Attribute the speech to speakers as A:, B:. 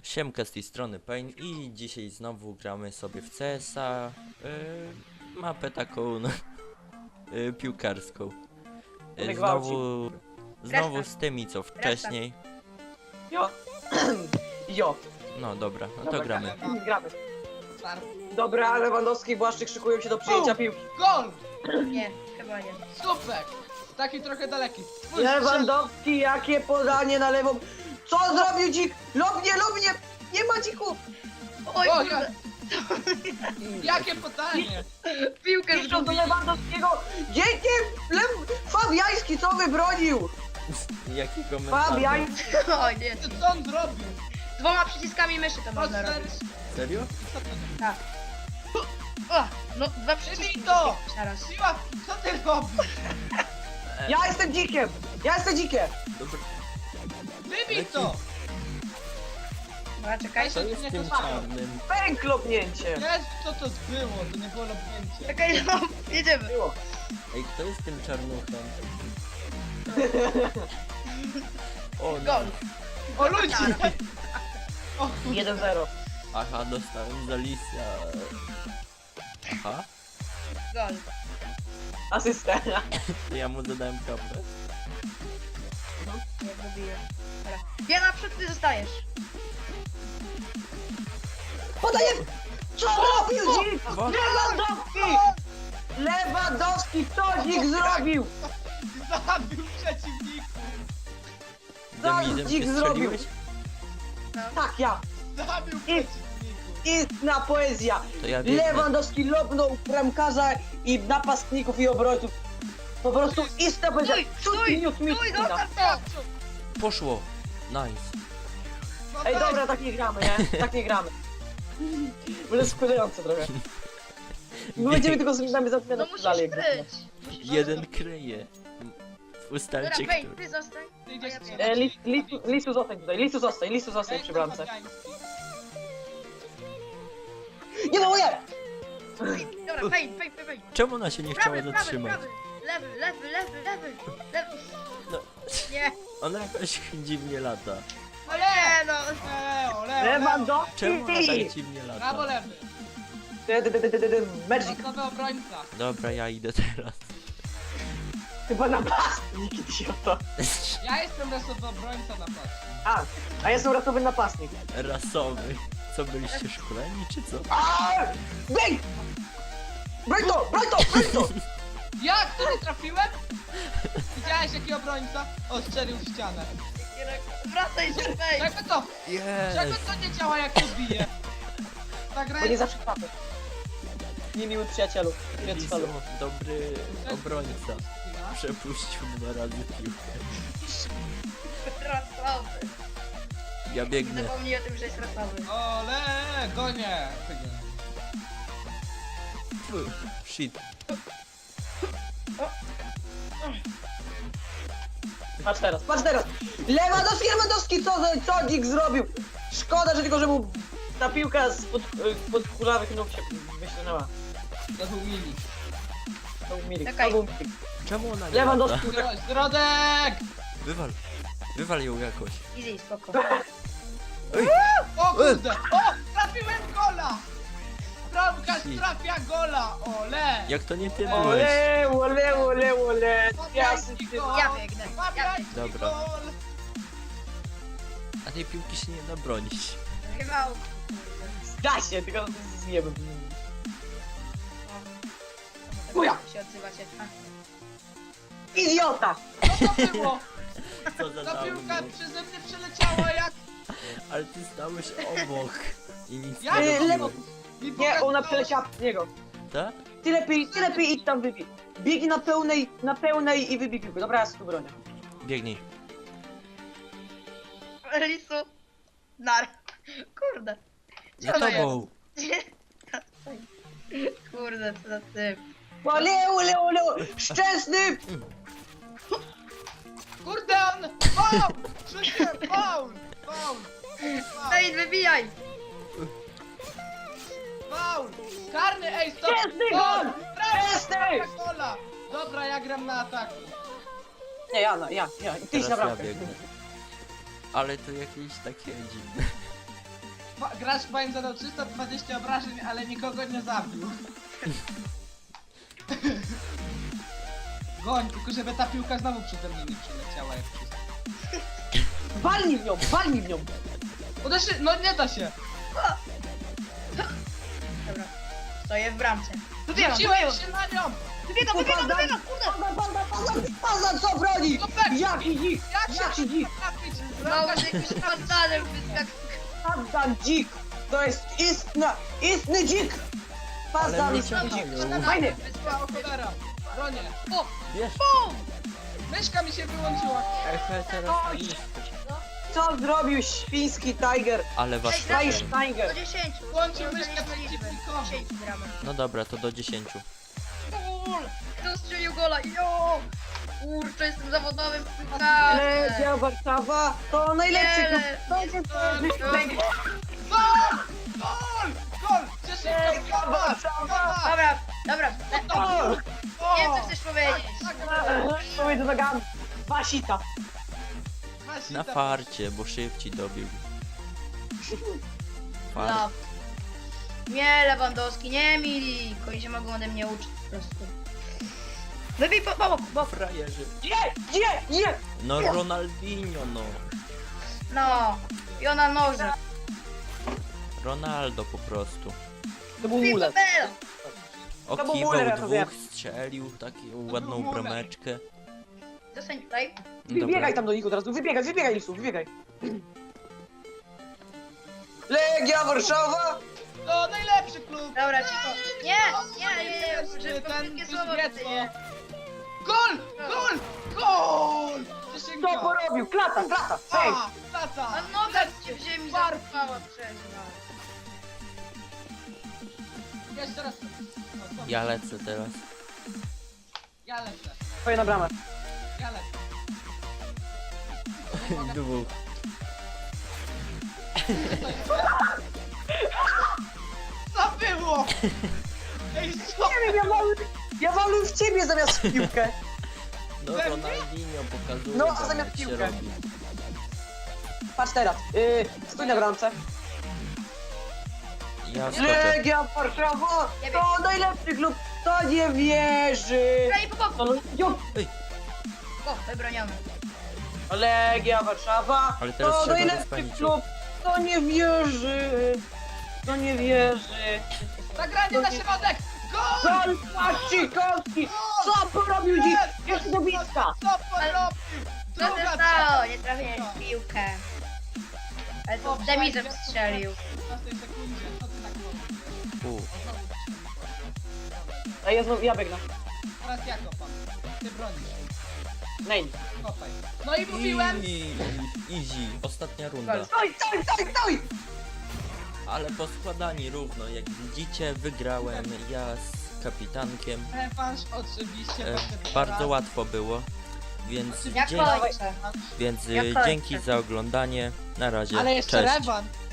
A: Siemka, z tej strony Pain i dzisiaj znowu gramy sobie w CS-a, mapę taką piłkarską. Znowu z tymi co wcześniej.
B: Jo. Jo.
A: No dobra, no to
B: Dobra,
A: gramy.
B: Gramy. Dobra, Lewandowski i Błaszczyk szykują się do przyjęcia piłki.
C: Gol!
D: Nie, chyba nie.
C: Super! Taki trochę daleki.
B: Lewandowski, jakie podanie na lewą. Co zrobił dzik? Lobnie! Nie ma dzików!
D: Oj,
C: O,
D: kurde,
C: Jakie pytanie!
D: piłkę
B: Piszą do
D: zgubił.
B: Lewandowskiego. Dziękiem! Fabiański co wybronił?
A: Jaki komentarz?
B: Fabiański.
D: Oj, nie.
C: Co on zrobił?
D: Dwoma przyciskami myszy to można
C: Poster...
D: robić.
A: Serio?
D: Tak. O, no dwa przyciski
C: Wybij to!
D: teraz.
C: Siła, co ty robisz?
B: Ja jestem dzikiem! Ja jestem dzikiem!
A: Dobra,
C: Wybij to!
D: Dobra, czekaj.
A: co jest z tym czarnym?
B: Pęk lobnięcie!
C: Jezu, co to było? To nie było lobnięcie.
D: Czekaj, no, jedziemy.
B: Było.
A: Ej, kto jest tym czarnuchem? O, no.
D: Gol.
C: O ludzie! O kurde.
B: 1-0.
A: Aha, dostałem z Alicia. Aha,
D: Gol.
B: Asysta.
A: ja mu zadałem kapę.
D: Nie zgubiłem. Dobra. Ja naprzód, ty zostajesz.
B: Podaję! Co zrobił dzik?
A: Bo-
B: Lewandowski! Lewandowski, co dzik zrobił?
C: Zabił przeciwników!
A: Demidem
B: dzik
A: się
B: zrobił.
A: strzeliłeś?
B: Tak, ja.
C: Zabił przeciwników!
B: Istna poezja.
A: To ja biegnę.
B: Lewandowski lobnął bramkarza i napastników i obrońców. Po prostu istna poezja.
D: Stój, stój, zostaw to!
A: Poszło. Nice.
C: No
B: Ej,
C: daj,
B: dobra, tak nie gramy, nie? Tak nie gramy. Będzie skurzające trochę. My będziemy tylko z nami
D: No
B: zaczynać
D: musisz
B: dalej.
D: kryć.
A: Jeden kryje. Ustalcie,
D: Dobra, Pej,
A: który.
D: ty zostań.
C: Ty idziesz
D: A ja
C: strzelać.
B: Lisu zostań tutaj, Lisu zostań przy bramce. Nie no, nie!
D: Dobra, Pej.
A: Czemu ona się nie chciała
D: Prawy,
A: zatrzymać?
D: lewy.
A: No,
D: Nie,
A: ona jakoś dziwnie lata.
D: no nie, no.
B: Lewandowski!
A: Czemu ona tak dziwnie
C: Brawo
A: lata?
C: lewy!
B: Magic!
C: Nowy obrońca!
A: Dobra, ja idę teraz.
B: Chyba napastnik, idioto.
C: Ja jestem rasowy obrońca na patrz.
B: A ja jestem ratowy napastnik.
A: Rasowy. Co, byliście szkoleni, czy co?
B: Bang! Broń to!
C: Jak? To nie trafiłem? Widziałeś jaki obrońca? O, strzelił w ścianę.
D: Wracaj się, Pej.
C: Jakby to? Czego
A: Jest!
C: to nie działa jak to bije? Ta gra
B: Bo nie
C: jest...
B: zawsze trafię. Niemiły przyjacielu.
A: Lisu, dobry obrońca. Przepuścił 2 razy piłkę.
D: Rasowy.
A: Ja biegnę.
D: Zapomnij o tym, że jest rasowy.
C: Ole, gonie!
A: Fu, shit.
B: Patrz teraz! Lewandowski, co dzik zrobił? Szkoda, że tylko, że mu ta piłka spod kulawych nóg się wyślunęła.
C: To był Mili.
B: To był Milik,
D: Czekaj.
B: to był Milik.
A: Czemu ona nie
B: Lewandowski.
A: lata?
C: Środek!
A: Wywal ją jakoś.
D: Easy, spoko.
C: O kurde! O! Trafiłem gola! Bramkarz
A: Si.
C: trafia gola! Ole!
A: Jak to nie ty byłeś?
B: Ole!
C: Fabiański gol!
D: Ja biegnę.
C: Fabiański
A: Dobra.
C: gol!
A: A tej piłki się nie da bronić.
D: Chyba...
B: Da się, tylko zjemy.
D: Uja! się odzywacie.
B: Idiota!
C: Co to było?
A: Co za
C: Ta piłka
A: dawno.
C: przeze mnie przeleciała jak...
A: Ale ty stałeś obok. I nic
C: Ja
A: nie
C: nie
A: robiłeś.
C: Mi
B: Nie, ona
C: pokazało-
B: przeleciała z niego.
A: Tak?
B: Ty lepiej idź tam wybij. Biegnij na pełnej i wybij piłkę. Dobra, ja sobie tu bronię.
A: Biegnij.
D: Lisu. Nar. Kurde.
A: Za
D: Co to
A: tobą.
D: Kurde, co za typ.
B: Ole! Szczęsny!
C: Kurde on! Faul! Rzuciłem! Faul!
D: Ej, wybijaj!
C: Faul! Karny, ej, stop!
B: Szczęsny gol!
C: Szczęsny!
B: Szczęsny!
C: Gola! Dobra, ja gram na ataku.
B: Nie, ja. Ty idź na
A: Teraz ja
B: bramkę.
A: biegnę. Ale to jakieś takie dziwne.
C: Gracz Fine zadał 320 obrażeń, ale nikogo nie zabił. Goń, tylko żeby ta piłka znowu przede mną nie przeleciała jak wszystko.
B: Walnij w nią, walnij w nią.
C: Uderzy, no nie da się.
D: Dobra. Stoję w bramce. Wybiegam,
C: Rzuciłem się na nią.
D: wybiegam,
B: Panda,
D: kurde!
B: Panda, co broni?
C: No tak.
B: Jaki dzik, jaki dzik.
D: Mało z jakimś pandanem wyskakał.
B: Panda dzik. To jest istny dzik. Panda
A: Ale
B: istny
A: mnie
B: dzik.
A: ciągną.
B: Fajny.
C: Wyspa cholera. Bronię. O,
A: Wiesz,
C: myszka mi się wyłączyła.
A: ehe, teraz iść.
B: Co zrobił świński Tiger?
A: Ale was...
D: Ej,
B: Tiger,
D: Do
B: Tiger.
D: 10.
C: Włączył
D: To
C: myszkę
D: nie liczby.
C: przeciwnikowi.
D: 10 gramy.
A: No dobra, to do 10.
D: Gol! Kto strzelił gola? Jo! Kurczę, jestem zawodowym piłkarzem.
B: Legia Warszawa to najlepszy klub. To jest
C: Gol! Gol! Gol! Cieszynka,
B: Legia Warszawa.
D: Dobra.
B: O!
D: Nie wiem, co chcesz powiedzieć.
B: Powiedz nogami. Wasita.
A: Na farcie, bo szybciej dobił. Fart.
D: No. Nie, Lewandowski, nie Milik. Oni się mogą ode mnie uczyć po prostu. Wybij po boku, boku.
A: Frajerzy.
B: Nie!
A: No Ronaldinho, no.
D: No. I ona noże.
A: Ronaldo po prostu.
B: To był
D: Wybij
B: mulet.
D: Bela.
B: To był
A: Okiwał
B: Muller, ja to wiem.
A: dwóch, strzelił taką ładną
C: Muller.
A: brameczkę.
D: Zostań tutaj.
B: Wybiegaj tam do nich od razu. Wybiegaj Lisu, wybiegaj. Legia Warszawa.
C: To najlepszy klub.
D: Dobra, cicho. Nie,
C: Ten
D: szybko, krótkie słowo
C: Kuzniecko.
D: tutaj, nie?
C: Gol! Gol! Gol! Cieszynka.
B: Co porobił? Klata. Hej.
C: A, tata!
D: A noga cię w ziemi
C: Barki.
D: zapała przez nas.
C: Jeszcze raz. No, co?
A: Ja lecę teraz.
C: Ja lecę.
B: Twoja brama.
C: Ja lecę.
A: Dwóch.
C: Co było? Ej, co?
B: Nie wiem, ja walę w ciebie zamiast w piłkę.
A: No Ronaldinho pokazuje
B: No, a
A: wam,
B: zamiast
A: jak się
B: piłkę.
A: robi.
B: Patrz teraz. Stój na bramce.
A: Ja skoczę.
B: Legia Warszawa to najlepszy klub. To nie wierzy.
D: Graj po boku.
B: To jo.
D: O, wybroniony.
B: Legia Warszawa
A: Ale teraz
B: to
A: trzeba
B: najlepszy
A: rozpędzić.
B: klub. To nie wierzy. To nie wierzy.
C: Zagranie na środek! Gol!
B: Gol Płaszczykowski! Co porobił dziś? Jeszcze do bliska!
C: Co porobił?
D: Co się
C: Druga
D: stało? Nie trafiłeś w piłkę. Ale to demizem strzelił.
C: W 15 sekundzie. Co ty tak robisz?
B: A ja biegnę.
C: Teraz ja kopam. Ty bronisz.
B: Nej.
C: Kopaj. No i mówiłem!
A: Easy. Ostatnia runda.
B: Stój!
A: Ale poskładani równo. Jak widzicie, wygrałem ja z kapitankiem.
C: Rewanż oczywiście.
A: Bardzo łatwo było. Więc,
D: Jak
A: dzięki,
D: kończę?
A: więc
D: Jak kończę.
A: dzięki za oglądanie. Na razie.
C: Ale jeszcze
A: Cześć.
C: rewanż.